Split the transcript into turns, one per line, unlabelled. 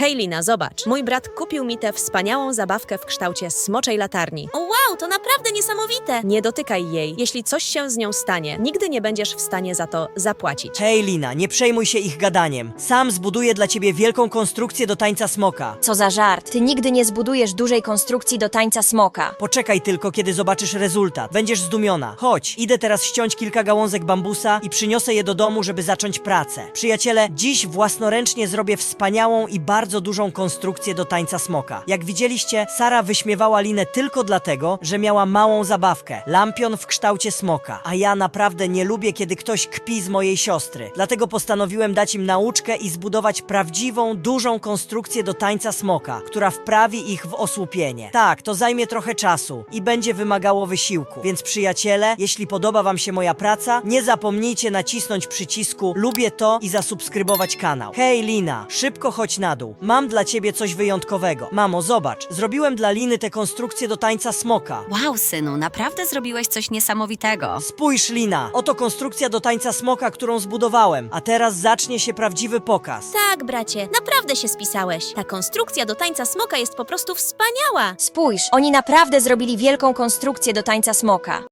Hej Lina, zobacz. Mój brat kupił mi tę wspaniałą zabawkę w kształcie smoczej latarni.
O wow, to naprawdę niesamowite!
Nie dotykaj jej. Jeśli coś się z nią stanie, nigdy nie będziesz w stanie za to zapłacić.
Hej Lina, nie przejmuj się ich gadaniem. Sam zbuduję dla ciebie wielką konstrukcję do tańca smoka.
Co za żart. Ty nigdy nie zbudujesz dużej konstrukcji do tańca smoka.
Poczekaj tylko, kiedy zobaczysz rezultat. Będziesz zdumiona. Chodź, idę teraz ściąć kilka gałązek bambusa i przyniosę je do domu, żeby zacząć pracę. Przyjaciele, dziś własnoręcznie zrobię wspaniałą i bardzo dużą konstrukcję do tańca smoka. Jak widzieliście, Sara wyśmiewała Linę tylko dlatego, że miała małą zabawkę. Lampion w kształcie smoka. A ja naprawdę nie lubię, kiedy ktoś kpi z mojej siostry. Dlatego postanowiłem dać im nauczkę i zbudować prawdziwą, dużą konstrukcję do tańca smoka, która wprawi ich w osłupienie. Tak, to zajmie trochę czasu i będzie wymagało wysiłku. Więc przyjaciele, jeśli podoba wam się moja praca, nie zapomnijcie nacisnąć przycisku lubię to i zasubskrybować kanał. Hej Lina, szybko chodź na dół. Mam dla ciebie coś wyjątkowego. Mamo, zobacz, zrobiłem dla Liny tę konstrukcję do tańca smoka.
Wow, synu, naprawdę zrobiłeś coś niesamowitego.
Spójrz Lina, oto konstrukcja do tańca smoka, którą zbudowałem. A teraz zacznie się prawdziwy pokaz.
Tak, bracie, naprawdę się spisałeś. Ta konstrukcja do tańca smoka jest po prostu wspaniała.
Spójrz, oni naprawdę zrobili wielką konstrukcję do tańca smoka.